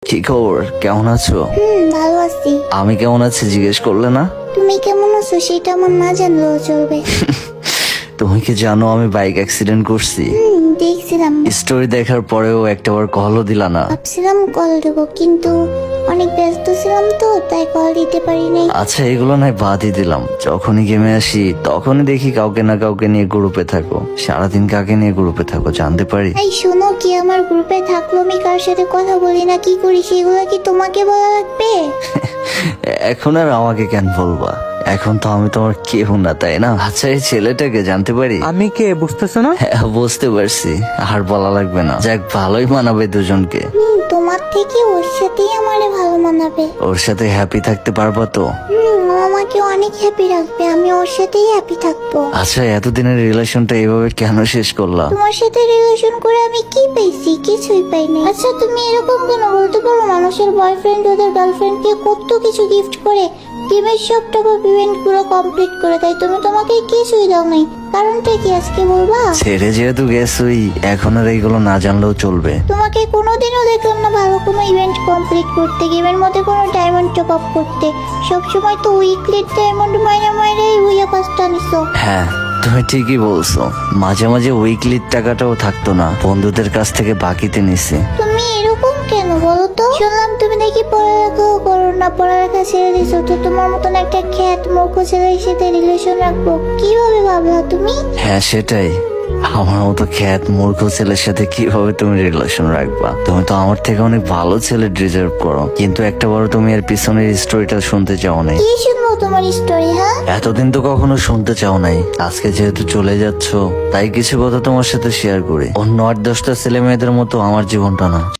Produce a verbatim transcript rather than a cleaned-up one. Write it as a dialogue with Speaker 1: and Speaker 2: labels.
Speaker 1: কি খবর, কেমন আছো?
Speaker 2: হুম ভালো আছি।
Speaker 1: আমি কেমন আছি জিজ্ঞেস করলে না?
Speaker 2: তুমি কেমন আছো সেটা আমার না জানলেও চলবে।
Speaker 1: তুমি কি জানো আমি বাইক অ্যাক্সিডেন্ট করছি?
Speaker 2: হুম দেখছিলাম।
Speaker 1: স্টোরি দেখার পরেও একটাবার কলও দিলা না।
Speaker 2: ভাবছিলাম কল দেবো কিন্তু অনেক ব্যস্ত ছিলাম তো তাই কল দিতে পারি নাই।
Speaker 1: আচ্ছা এগুলো নয় বাদই দিলাম, যখনই গেমে আসি তখনই দেখি কাউকে না কাউকে নিয়ে গ্রুপে থাকো। সারাদিন কাকে নিয়ে গ্রুপে থাকো জানতে পারি?
Speaker 2: এই শোনো, কি আমার গ্রুপে থাকলো আমি কার সাথে কথা বলি না কি করি সেগুলো কি তোমাকে বলা লাগবে?
Speaker 1: এখন আর আমাকে কেন বলবা? এখন তো আমি তোমার কেউ না, তাই না? আচ্ছা এই ছেলেটাকে জানতে পারি?
Speaker 3: আমি কে বুঝতেছো না?
Speaker 1: হ্যাঁ বুঝতে পারছি, আর বলা লাগবে না। যাক ভালোই মানাবে দুজনকে।
Speaker 2: হুম তোমার থেকে ওর সাথেই আমারে ভালো মানাবে।
Speaker 1: ওর সাথে হ্যাপি থাকতে পারবা তো?
Speaker 2: হুম ও আমাকে অনেক হ্যাপি রাখবে, আমি ওর সাথেই হ্যাপি থাকবো।
Speaker 1: আচ্ছা এতদিনের রিলেশনটা এইভাবে কেন শেষ করলা?
Speaker 2: তোমার সাথে রিলেশন করে আমি কি পেয়েছি? কিছুই পাইনি। আচ্ছা তুমি এরকম কেন বলতে পারো? মানুষের বয়ফ্রেন্ড ওদের গার্লফ্রেন্ডকে কত কিছু গিফট করে, গেমের সব টাকা ইভেন্ট পুরো কমপ্লিট করে দেয়, তুমি তোমাকে কিছুই দাও নাই। কারণটা কি আজকে বলবা?
Speaker 1: ছেড়ে যেহেতু গেছই এখন আর এইগুলো না জানলেও চলবে।
Speaker 2: তোমাকে কোনোদিনও দেখলাম না ভালো কোনো ইভেন্ট কমপ্লিট করতে, গেমের মধ্যে কোনো ডায়মন্ড টপ আপ করতে। সবসময় তো উইকলি ডায়মন্ড মাইনে মাইনে উইয়া পাঁচটা নিছো।
Speaker 1: হ্যাঁ তুমি ঠিকই বলছো, মাঝে মাঝে উইকলির টাকাটাও থাকতো না, বন্ধুদের কাছ থেকে বাকিতে নিছি।
Speaker 2: তুমি এরকম কেন বলো তো? শুনলাম তুমি নাকি পড়ালেখাও করো না, পড়ালেখা ছেড়ে দিছো, তো তোমার মতন একটা খ্যাত মূর্খ ছেলের সাথে রিলেশন রাখবো কিভাবে ভাবলা তুমি?
Speaker 1: হ্যাঁ সেটাই, আমার মতো খ্যাত মূর্খ ছেলের সাথে কিভাবে তুমি রিলেশন রাখবা? তুমি তো আমার থেকে অনেক ভালো ছেলে ডিজার্ভ করো, কিন্তু একটা বড় তুমি এর পিছনের স্টোরিটা শুনতে চাও নাই।
Speaker 2: কি শুনবো তোমার স্টোরি? হ্যাঁ
Speaker 1: এতদিন তো কখনো শুনতে চাও নাই, আজকে যেহেতু চলে যাচ্ছ তাই কিছু কথা তোমার সাথে শেয়ার করি। অন্য আট দশটা ছেলে মেয়েদের মতো আমার জীবনটা না,